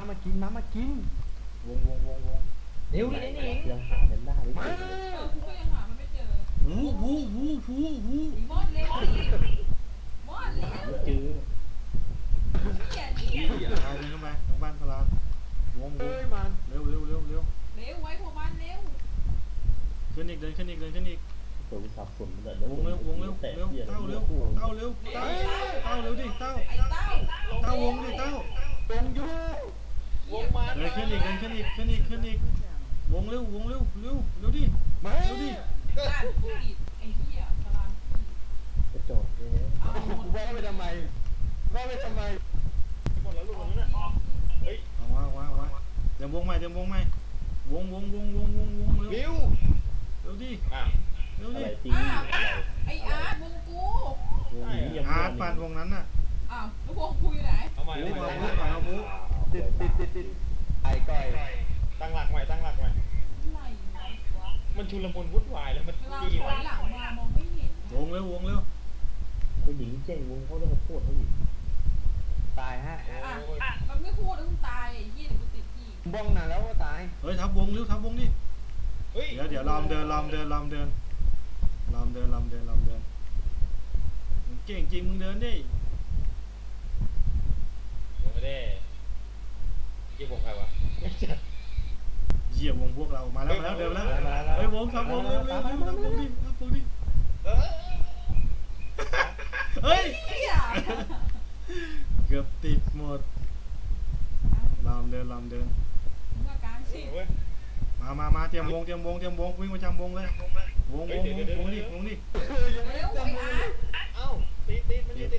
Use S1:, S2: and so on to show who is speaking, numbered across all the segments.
S1: มากินม้ามากินวง
S2: เร็วนี่นี่ยังหากันได้ไม่เจอ
S3: กูก็ยังหามันไม่เจอ
S1: หู
S3: มอดเร็วมอดเร็ว
S2: ไม่เจอ
S1: ตายเลยเข้าไปทางบ้านพลานวงมันเร็ว
S3: ไว้พวกมันเร็ว
S1: ขึ้นอีกเดินขึ้นอีก
S2: ตัววิสับสนเลยว
S1: งเร็วเต้าเร็วดิเต้าวงดิเต้าวงอยู่เดินขึ้นอีกวงเร็วดิมาเร็วดิ
S3: ไอ้เหี้ยตาราง
S2: กระจกเลย
S1: ว่าไปทำไมหมดแล้วลูกนั้นน่ะเฮ้ยเอาว่าเดี๋ยววงใหม่วงเร็วดิ
S2: อะไรตี
S3: ไอ้อาร์ตวงกู
S1: อาร์ตปั่นวงนั้นน่ะ
S3: อ้าวแล้ววงกูอยู่ไหน
S1: เอาใหม่ติดไอ้ก้อย
S4: ตั้งหลักใหม่มันชุลมุนวุ่นวายแล้วมัน
S3: ตีหลังมามองไม่เห็น
S1: วงเร็ว
S2: ผู้หญิงเจ๊งวงเขาต้องมาโทษเขาอีก
S1: ตายฮะ
S3: มันไม่พูดแล้วมึงตายไอ้เหี้ยเดี๋ยวกูติดที่
S1: บ้องนานแล้วก็ตายเฮ้ยทับวงดิเดี๋ยวลอมเดินเก่งจริงมึงเดินดิ
S4: ไม่ได้ยี่วงใครวะ
S1: เหยียบวงพวกเรามาแล้วเดินแล้วเฮ้ยวงทับวงเร็วทับวงดิเฮ้ยเกือบติดหมดลำเดิน
S3: มากลางสิ
S1: มาเตรียมวงวิ่งประจำวงเลยวงดิ
S3: เร็วไอ้อาร์ต
S4: เอ้าติดมันติด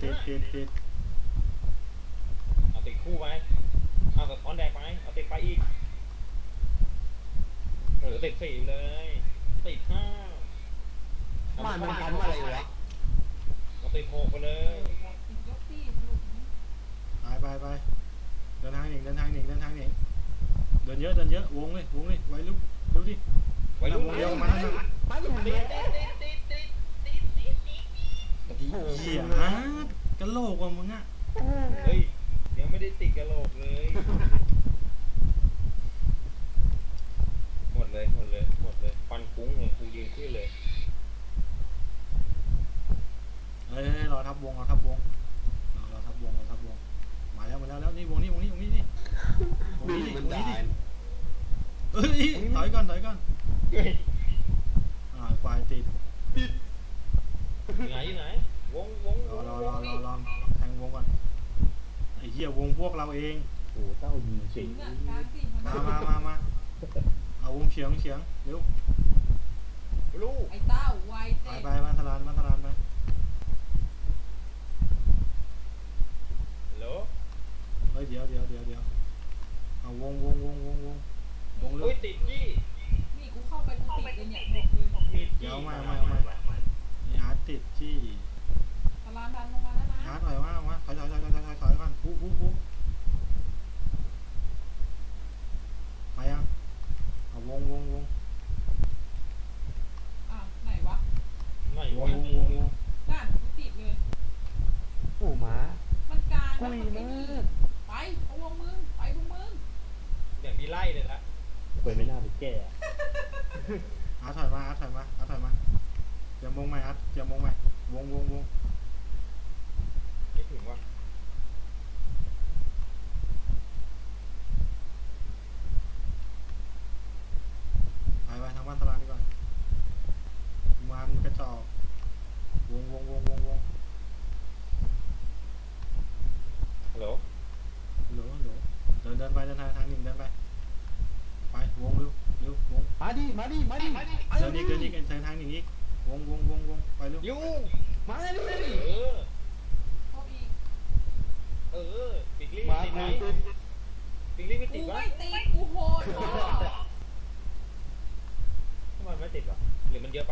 S4: เอาติดคู่ไปเอากับออนแดกไปเอาติดไปอีกติด4เลยติด5
S1: มันทำอะไรวะ
S4: เอาติด6ไปเลย
S1: ไปเดินทางหนิงเดินเยอะวงเลยไว้ลุกดิ
S4: ไว้ลุก
S1: เดียวมาแล้วนะเหี้ยกะโหลกว่ะมึงอ่ะ
S4: เฮ้ยยังไม่ได้ติดกะโหลกเลยหมดเลยฟันคุ้งเลยกูยืนขึ้นเลย
S1: เฮ้ยรอทับวงมาแล้วนี่วงนี้ดิเอ้ยถอยก่อนควายติด
S4: อยู่ไหนวง
S1: รอแทงวงก่อนไอ้เหี้ยวงพวกเราเอง
S2: โอ้เต้ายิงเฉียง
S1: มาเอาวงเฉียงเร็ว
S4: ลูก
S3: ไอ้เต้าไว
S1: ไปมันทลานไป
S4: เหรอ
S1: เฮ้ยเดี๋ยวเอาวง
S4: เฮ้ยติดจี้
S3: นี่กูเข้าไปกูติดเลยเนี่ยบอกเลย
S1: เดี๋ยวไม่นี่อาร์ตติดที่
S3: ตารางดันลงมาแล้วนะ
S1: อาร์ตถอยมาถอยก่อนปุ๊ไปยังเอาวง
S3: ไหนวะ
S1: วง
S3: นั่นกูติดเลย
S2: โอ้หมา
S3: มันกลางแล้วมันไปเอาวงมึง
S4: อย่างมีไล่เลยนะ
S2: ไม่น่าไปแก้
S1: อาร์ตถอยมาเตรียมวงใหม่อาร์ตเตรียมวงใหม่วง
S4: ไม่ถึงว่ะ
S1: ไปทางบ้านตลาดดีกว่ามันกระจอกวง
S4: ฮัลโหล
S1: เดินไปทางหนึ่งเดินไปวงเร็ววงมาดิเดินอีกทางหนึ่งอีกวงไปเร็ว
S4: ยู
S1: มาดิ
S4: ปิกลี่ติดไหมปิกลี่ไม่ติดวะ
S3: กูโหด
S4: ทำไมไม่ติดวะหรือมันเยอะไป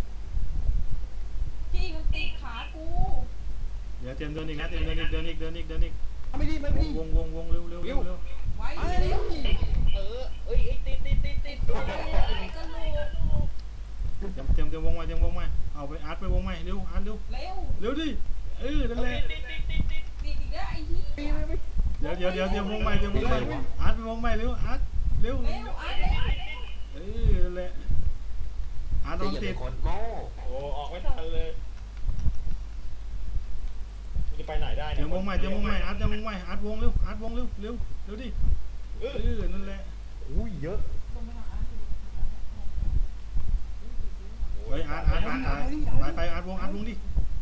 S3: จี้มันติดขากู
S1: เดี๋ยวเตรียมเดินอีกเไม่ดีวงเร็ว
S3: ไว้เร็ว
S4: ติด
S1: เตรียมวงใหม่เอาไปอาร์ตไปวงใหม่เร็วอาร์ตเร็วดินั่นแหละ
S3: ติดอีกแล้วไอ้เหี้ย
S1: เดี๋ดี๋ยววงใหม่อาร์ตไปวงใหม่เร็วอาร์ตเร็ว
S3: เร็วอาร์ตเร็ว
S1: นั่นแหละอาร์ตต้องติด
S5: คนโม่
S4: โอ้ออกไม่ทันเลยมึงจะไปไหนได้
S1: เดี๋ยววงใหม่อาร์ตจะวงใหม่อาร์ตวงเร็วอาร์ตวงเร็วเร็วดินั่นแหละ
S2: อุ้ยเยอะ
S3: ลงไปทางอาร์ต
S1: เฮ้ยอาร์ตไปอาร์ตวงดิ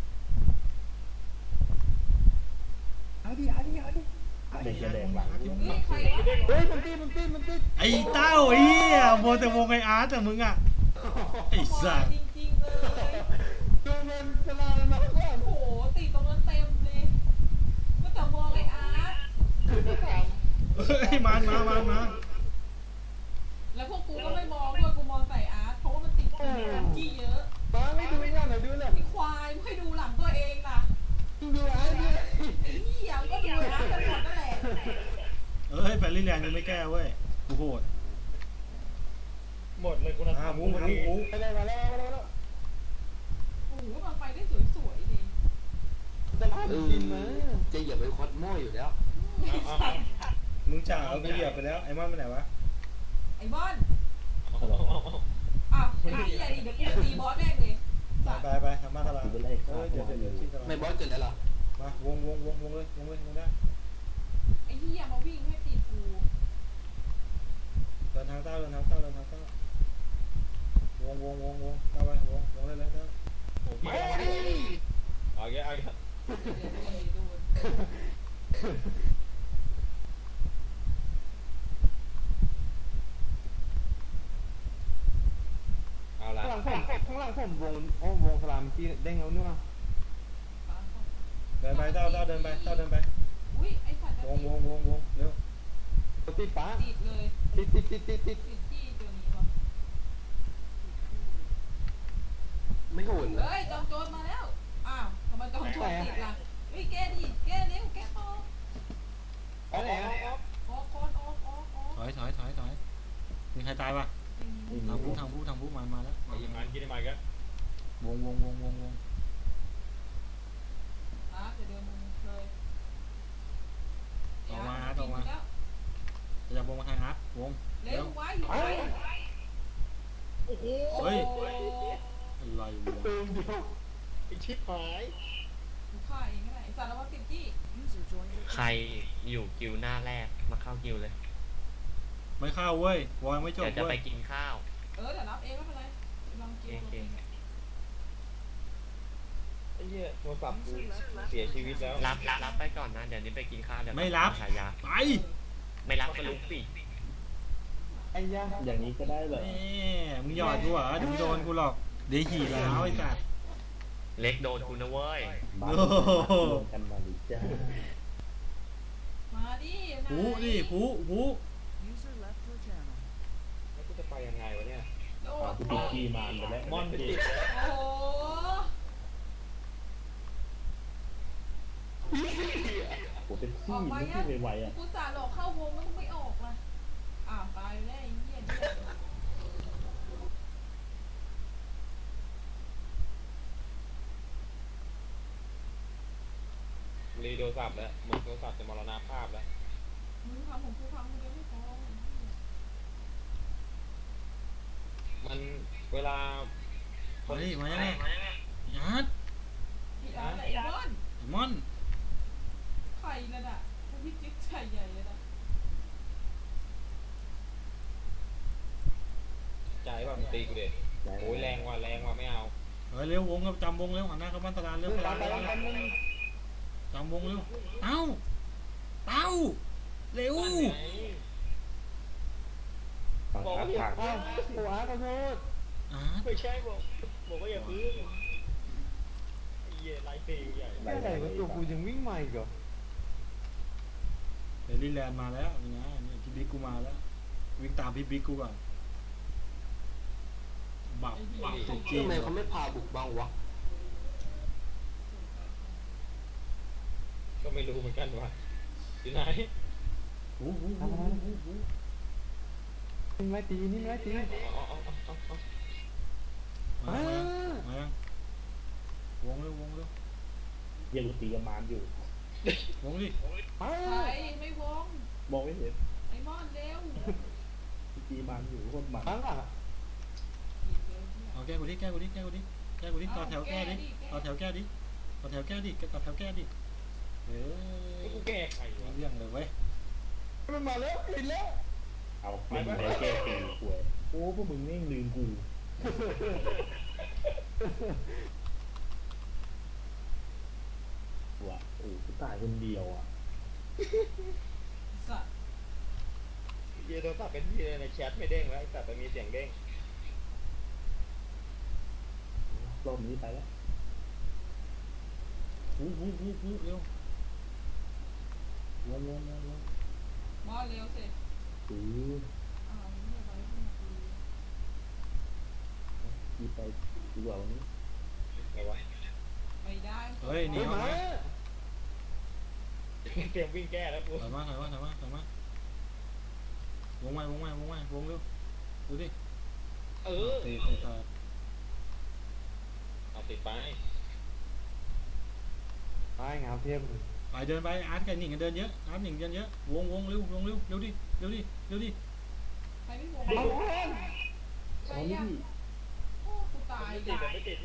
S2: เด็กจะแดงหลัง
S3: นี่ใคร
S2: เฮ้ยมันตี
S1: ไอ้เต้าเฮียโมแต่วงไอ้อาร์ตแต่มึงอ่ะไอ้สัส
S3: จริงๆเลย
S2: ดูมันสลาแล้วนะก่อน
S3: โอ้โหติดตรงนั้นเต็มเลยก็แต่มองไอ้อาร์ต
S1: เฮ้ยมา
S3: แล้วพวกกูก็ไม่มองด้วยกูมองใส่อาร์ตเพราะว่ามันติดจี้เยอะ
S2: ป้าไม่ดูหน่อยดูหน่อย
S3: ไอ้ควายไม่ดูหลังตัวเองล่ะ
S2: ดูไอ้เนี่ย
S3: ไอ้เหี้ยก็ดูอาร์ตกันหมดนั่นแหละ
S1: เฮ้ยแฟรี่แลนด์ยังไม่แก้เว้ยกูโหด
S4: หมดเลยคุณธรรม
S1: วุ้ง
S2: มาแล้ว
S3: โอ้โหมันไปได้สวยๆดิ
S2: สลากินมา
S5: จะเหยียบไปคอสโม่อยู่แล้ว
S3: ไอ้สัตว์
S1: มึงจ่าเอากูเหยียบไปแล้วไอ้มันไปไหนวะ
S3: ไอ้บอนอ้าวไอ้เหี้ยดิเดี๋ยวกูตีบอสแม่งเลยสัตว์
S1: ไปทำมาตลาดเดี๋ยวชิงตลาด
S5: ไม่บอสเกิดแล้วหรอ
S1: มาวงเลยวงได้
S3: ไอ้เหี้ยมาวิ่งให้ติดกู
S1: เดินทางเต้าวงเข้าไปวงได้เลยเต้า
S4: โอ้พี่เอาแก
S3: เดี๋ยวโดน
S4: เอาละ
S2: ข้างหลังผมวงสลามที่เด้งเอาเนื้อ
S1: เดินไปเต้าเดินไป
S3: อุ้ยไอ้สัตว์
S1: วงเร็ว
S2: ติดป้า
S3: ติดเลย
S2: ติด
S3: ติดจี้ตัวนี้วะ
S5: ไม่โหดเลย
S3: เฮ้ยจอมโจรมาแล้วอ้าวทำไมจอมโจรติดล่ะเฮ้ยแกดิแกเร็วแกต่อ
S2: อะไรอ่ะ
S3: ออกก่อนออก
S1: ถอยมีใครตายปะทางผู้มาแล้ว
S4: ไอ้ยังมันกินได้ไหมกัน
S1: วง
S3: อ่ะเดี๋ยวเดินมึงเลย
S1: ออกมาจะวงมาทางอาร์ตวง
S3: เร็วไว้อยู่ไว้
S4: โอ้โห
S1: เฮ้ยอะไรวะ
S2: เติมเดียว
S4: ไอ้ชิบหาย
S3: กูฆ่าเองก็ได้ไอ้สัตว์ระวังติดจี้
S6: ใครอยู่กิวหน้าแรกมาเข้ากิวเลย
S1: ไม่เข้าเว้ยวอยไม่จบ
S6: เดี๋ยวจะ
S1: เว้
S6: ไป
S1: ย
S6: กินข้าว
S3: เดี๋ยวรับเองไม่เป็นไรลองจิ้ม
S6: เก่ง
S4: ไอ้เหี้ยโทรศัพท์กูเสียชีวิตแล้ว
S6: รับไปก่อนนะ เดี๋ยวนี้ไปกินข้าวเดี๋ยว
S1: ไม่รับ
S6: ฉายา
S1: ไป
S6: ไม่รับก็ลุกสิ
S2: ไอ้ยา อย่างนี้ก็ได้เหรอ
S1: แม่มึงหยอดกูเหรอเดี๋ยวมึงโดนกูหรอกเดี๋ยวขี่แล้วไอ้สัตว์
S6: เล็กโดนกูนะเว้ย
S2: บ้านกันมาดิจ้า
S3: มาดิ
S1: ผู้ดิผู้
S4: แล้วกูจะไปยังไงวะเนี่ย
S3: โดด
S2: กูติดขี้มานไปแล้ว
S4: มอนจะติด
S3: โอ้โห
S2: ผมเป็น
S3: อ
S2: ขี้
S3: อกมา
S2: ไม่
S3: ยัง
S2: ขี้ไวๆอ่ะ
S3: กูสาหลอกเข้าวงแล้วมึงไม่ออกล่ะอ้าวตายแล้วไอ้เหี้ย
S4: รีโทรศัพท์แล้วมึงโทรศัพท์จะมรณภาพแล้ว
S3: มึงทำของกูฟังมึงยังไม่พอ
S4: มันเวลา
S1: เฮ้ยมายังไงยัด
S3: ไอ้อาร์ตไอ้บอน
S1: มอน
S3: ไข่ระดับพี่จิ๊กไข่ใหญ่เลยนะ
S4: ใจว่ามึงตีกูเด็ดโอ้ยแรงว่ะไม่เอา
S1: เฮ้ยเร็ววงก็จำวงเร็วหันหน้าเข้าบ้านตลาดเร็วจำวงเร็วเต้าเร็ว
S4: บอกว่าอย่า
S2: อ้าวโอ้อาขอโทษ
S1: อา
S4: ไม่ใช่บอกว่าอย่าพึ่งไอ้เหี้ยไลฟ์เฟย์ใหญ่
S2: ไม่ไหนว่าตัวกูยังวิ่งใหม่อีกเหรอ
S1: เดลี่แลนด์มาแล้วนี่นะนี่พี่บิ๊กกูมาแล้ววิ่งตามพี่บิ๊กกูก่อนบับติดจี้
S5: ทำไมเขาไม่พาบุกบ้างวะ
S4: ก็ไม่รู้เหมือนกันว่าที่ไหน
S1: หู
S2: นี่ไม่ตีนี่ไม่ตี
S1: มายังวงเร็ว
S2: ยังตีกับมานอยู่
S1: วงดิ
S2: มา
S3: ใครไม่วง
S2: บอกไม่เห็น
S3: ไอ้มอนเร็ว
S2: จีมันอยู่โคนมัน
S5: ข้างหลังอะ
S3: หยิบเร็วเนี่ย
S1: เอาแก้กูดิแก้กูดิแก้กูดิแก้กูดิต่อแถวแก้ดิต่อแถวแก้ดิต่อแถวแก้ดิต่อแถวแก้ดิเฮ้ย
S4: กูแก้ไขวะ
S1: เรื่องเลยเว้ย
S5: มันมาแล้วเห็นแล้ว
S2: เอาไม่ได้แก้ปีป่วยโอ้พวกมึงแม่งลืมกูว่ะโอ้กูตายคนเดียวอ่ะ
S3: สัตว์
S4: เยโทรศัพท์เป็นที่เลยในแชทไม่เด้งแล้วไอ้สัตว์มันมีเสียงเด้ง
S2: รอบนี้ไปแล้ว
S1: หูเร็ว
S2: วน
S3: มอนเร็วสิ
S2: ถือ
S3: อ้าวมึงอย่าไปขึ้นมาคุย
S2: กีไปดีกว่าวันนี้
S4: ไงวะ
S3: ไม่ได้
S1: เฮ้ยหนี
S5: เฮ้ย
S1: ออก
S5: มา
S1: มา
S4: เตรียมวิ่งแก้แล้วกู
S1: ถอยมาวงเร็วดูดิ
S4: เออ
S1: ตีตาย
S4: เอาติดไป
S5: ไอ้งามเทียม
S1: ไปเดินไปอาร์ตกับหนิงกันเดินเยอะอาร์ตหนิงเดินเยอะวงเร็วดิ
S3: ใครไม่วง
S2: เอา
S3: ใคร
S2: เอานี่
S3: ยังโอ้กูตาย
S4: ไม่ติดไม่ติด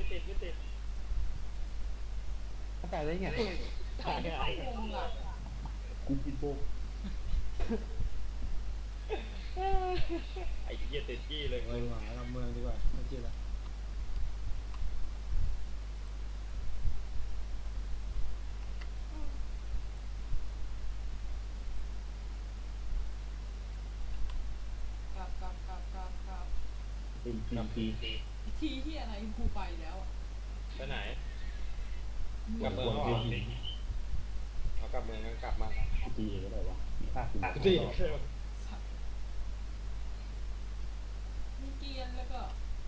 S5: ตายได้ไง
S3: ใครไม่เข้าวงล่ะ
S2: กูปิดโบก
S4: ไอ้เหี้ยติดจี้เลย
S1: เอ้ยหมาลำเมืองดีกว่าไม่เจอแล้ว
S3: กลับ
S2: เป็นปี
S3: ทีที่อะไรกูไปแล้วอะ
S4: ไปไหน
S3: มึง
S4: กลับเมืองแล้วเหรอเอากลับเมืองงั้นกลับมา
S2: ปีก็ได้วะภาค
S4: ตี
S3: สัตว์มีเกรียนแล้วก็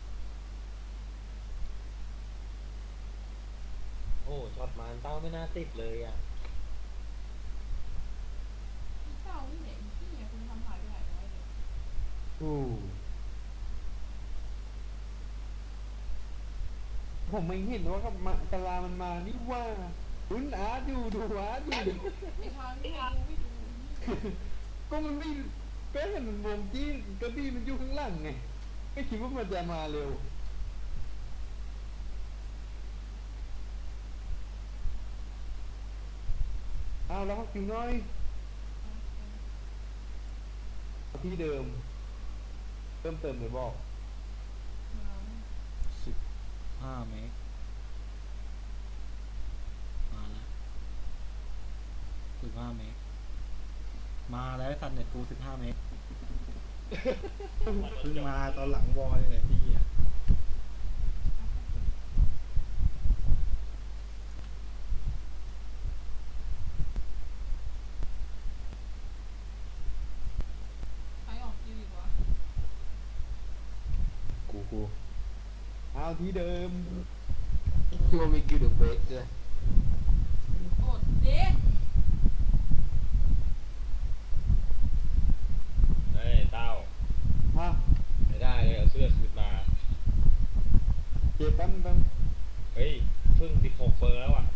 S4: โอ้ช็อตมาเต้าไม่น่าติดเลยอ่ะ
S3: พี่เจ้านี่ไหนพี่เนี่ยคุณทำหายไปไหนไว้เลย
S5: ผมไม่เห็นว่ากับกะลามันมานี่ว่าคุณอาร์ตอยู่ดูอาร์ตอยู่
S3: ไอ้ทางนี่ไม่ดู
S5: ก็มันไม่ก็เห็นมันวงจี้กระบี่มันอยู่ข้างหลังไงไม่คิดว่ามันจะมาเร็วอ้าวแล้วก็คิวน้อยที่เดิมเพิ่มเติมเลยบอก
S1: 5 เมตรมาแล้ว15 เมตรมาแล้วสัตว์เน็ตกู15 เมตรเพิ่งมาตอนหลังวอลเลยพี่อ่ะ
S3: ใครออกคิวอีกวะ
S2: กู
S5: เอาที่เดิมมันมีกิลด์เบรกด้วย
S3: กดเด็ก
S4: เฮ้ยเต้า
S5: ฮะ
S4: ไม่ได้เลยเอาเสื้อคืนมา
S5: เจ็บแป๊บ
S4: เฮ้ยเพิ่ง16 เปอร์แล้วอ่ะ